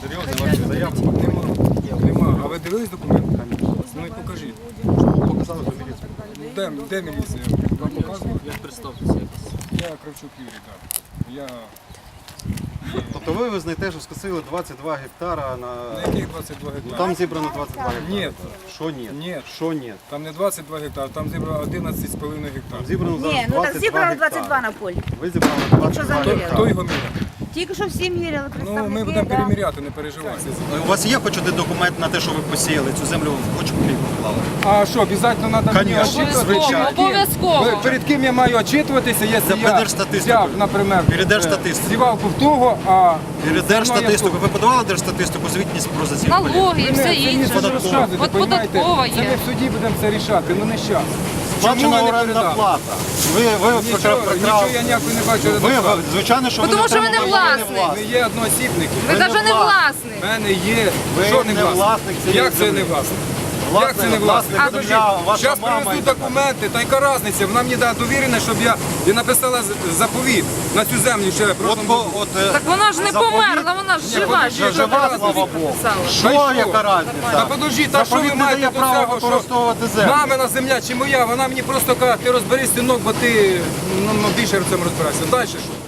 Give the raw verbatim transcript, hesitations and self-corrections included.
Серйозно, ваша заявка? Нема. Нема. А ви дивились документи? Ну і покажіть. Показали до міліції. Де, де міліція? Вам показували? Як представтеся якось? Я Кравчук Юрій, так. Я... Тобто ви визнаєте, що скосили двадцять два гектара на... На яких двадцять два Ну гектари? там зібрано двадцять два гектара. Ні. Що ні? Ні. Що ні? Там не двадцять два гектари, там зібрано одинадцять з половиною Там гектарів. зібрано зараз Ні, ну так двадцять два зібрано двадцять два гектари. на полі. Ви зібрали двадцять два заміряли? Хто гектари. його міряє? Тільки що всі міряли, Ну, представники. ми будемо да. переміряти, не переживайте. У вас є хоч один документ на те, що ви посіяли цю землю, хоч копійку вклали? А що, обов'язково треба мені Конечно, очитуватися? звичайно. Обов'язково. Перед ким я маю очитуватися, якщо За я Держстатистикою. взяв, наприклад, Перед Держстатистикою. сівалку в того, а... Перед Держстатистику. Ви подавали Держстатистику звітність про засів полів? Налоги і все Це інше. не розказуйте, От понімаєте? податкова Це ми є. в суді будемо це рішати, ну не щас. Сплачена орендна плата. Ви, ви Нічого, прекрасно- нічого я ніякої не бачу. Ви, ви, звичайно, що ви Тому не що ви не отримали, власник. Ми є одноосібники. Ви не навіть не власник. власник. У мене є. Ви Що не не власник? власник цієї Як це землі. не власник? Власник, Як це не власник? власник земля, ваша Зараз мама привезуть і так далі. документи, та яка різниця? Вона мені дає довірене, щоб я і написала з- заповіт на цю землю ще От, просто. по- от, е, Так вона ж не заповіт- померла, вона ж жива. подожди, Що жива, вона слава заповіт Богу. написала? Що, Та й яка що? різниця? Та подожди, та що ви Заповіт не маєте дає до права цього, що використовувати землю. мамина земля чи моя, вона мені просто каже, ти розберись, синок, бо ти ну, ну, більше в цьому розбираєшся. Далі що?